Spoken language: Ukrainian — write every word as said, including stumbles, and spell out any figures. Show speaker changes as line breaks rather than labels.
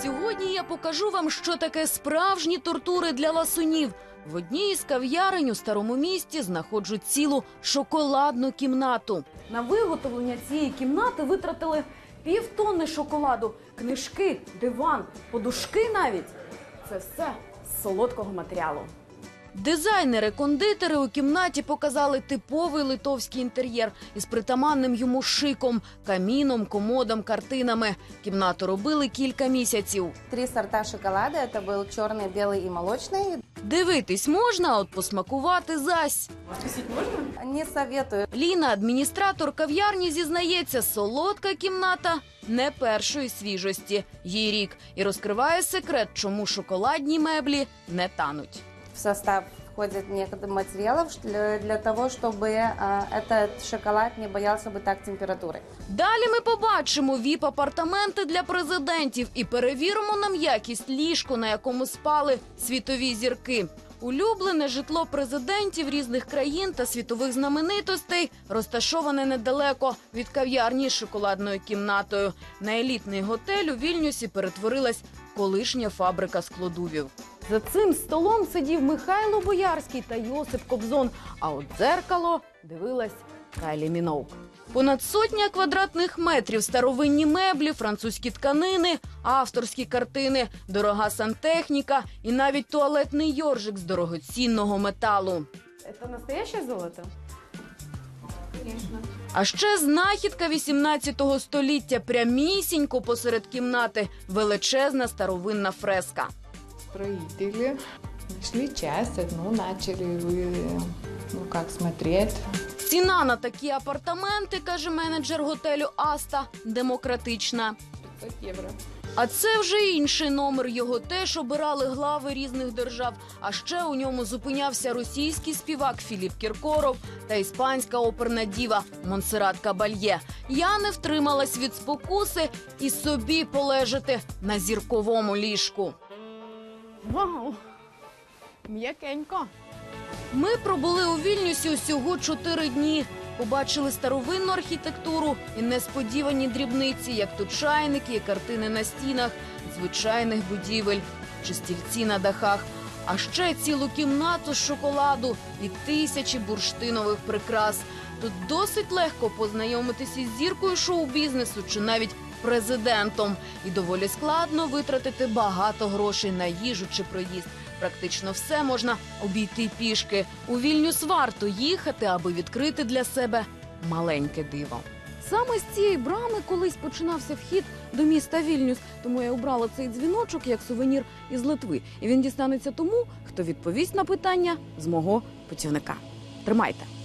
Сьогодні я покажу вам, що таке справжні тортури для ласунів. В одній із кав'ярень у Старому місті знаходжу цілу шоколадну кімнату. На виготовлення цієї кімнати витратили півтонни шоколаду, книжки, диван, подушки навіть. Це все з солодкого матеріалу. Дизайнери-кондитери у кімнаті показали типовий литовський інтер'єр із притаманним йому шиком, каміном, комодом, картинами. Кімнату робили кілька місяців.
Три сорта шоколада. Это был черный, белый и молочный.
Дивитись можна, а от посмакувати зась.
Не советую.
Ліна, адміністратор кав'ярні, зізнається, солодка кімната не першої свіжості. Їй рік. І розкриває секрет, чому шоколадні меблі не тануть.
В состав входит некоторых материалов для, для того, чтобы а, этот шоколад не боялся бы так температуры.
Далі ми побачимо віп-апартаменти для президентів і перевіримо на м'якість ліжко, на якому спали світові зірки. Улюблене житло президентів різних країн та світових знаменитостей розташоване недалеко від кав'ярні з шоколадною кімнатою. На елітний готель у Вільнюсі перетворилась колишня фабрика складувів. За цим столом сидів Михайло Боярський та Йосип Кобзон, а от дзеркало дивилась Кайлі Міноуг. Понад сотня квадратних метрів, старовинні меблі, французькі тканини, авторські картини, дорога сантехніка і навіть туалетний йоржик з дорогоцінного металу.
Це настояще золото? Звісно.
А ще знахідка вісімнадцятого століття, прямісінько посеред кімнати, величезна старовинна фреска.
Строители нашли часть, одну начали, ну как смотреть.
Ціна на такі апартаменти, каже менеджер готелю «Аста», демократична.
п'ятсот євро.
А це вже інший номер. Його теж обирали глави різних держав. А ще у ньому зупинявся російський співак Філіп Кіркоров та іспанська оперна діва Монсеррат Кабальє. Я не втрималась від спокуси і собі полежати на зірковому ліжку.
Вау! М'якенько.
Ми пробули у Вільнюсі усього чотири дні. Побачили старовинну архітектуру і несподівані дрібниці, як то чайники і картини на стінах, звичайних будівель чи стільці на дахах. А ще цілу кімнату з шоколаду і тисячі бурштинових прикрас. Тут досить легко познайомитися із зіркою шоу-бізнесу чи навіть президентом. І доволі складно витратити багато грошей на їжу чи проїзд. Практично все можна обійти пішки. У Вільнюс варто їхати, аби відкрити для себе маленьке диво. Саме з цієї брами колись починався вхід до міста Вільнюс. Тому я обрала цей дзвіночок як сувенір із Литви. І він дістанеться тому, хто відповість на питання з мого путівника. Тримайте!